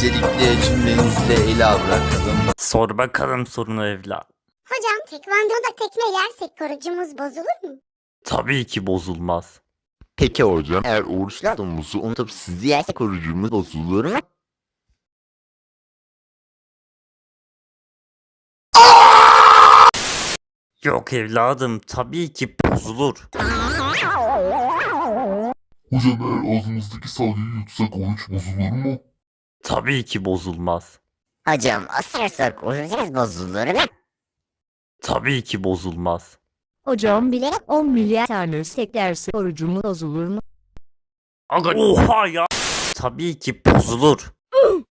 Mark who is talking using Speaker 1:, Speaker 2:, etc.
Speaker 1: Öncelikle cümlenizle ele bırakalım.
Speaker 2: Sor bakalım sorunu evlat.
Speaker 3: Hocam tekvandoda tekme yersek korucumuz bozulur mu?
Speaker 2: Tabii ki bozulmaz.
Speaker 4: Peki hocam, eğer oruçlu domuzu unutup sizi yerse korucumuz bozulur mu?
Speaker 2: Yok evladım, tabii ki bozulur.
Speaker 5: Hocam eğer ağzımızdaki salyayı yutsak oruç bozulur mu?
Speaker 2: Tabii ki bozulmaz.
Speaker 6: Hocam ısırırsak orucumuz bozulur mu?
Speaker 2: Tabii ki bozulmaz.
Speaker 7: Hocam bilerek 10 milyar tane seklerse orucumuz bozulur mu?
Speaker 2: Aga oha ya. Tabii ki bozulur.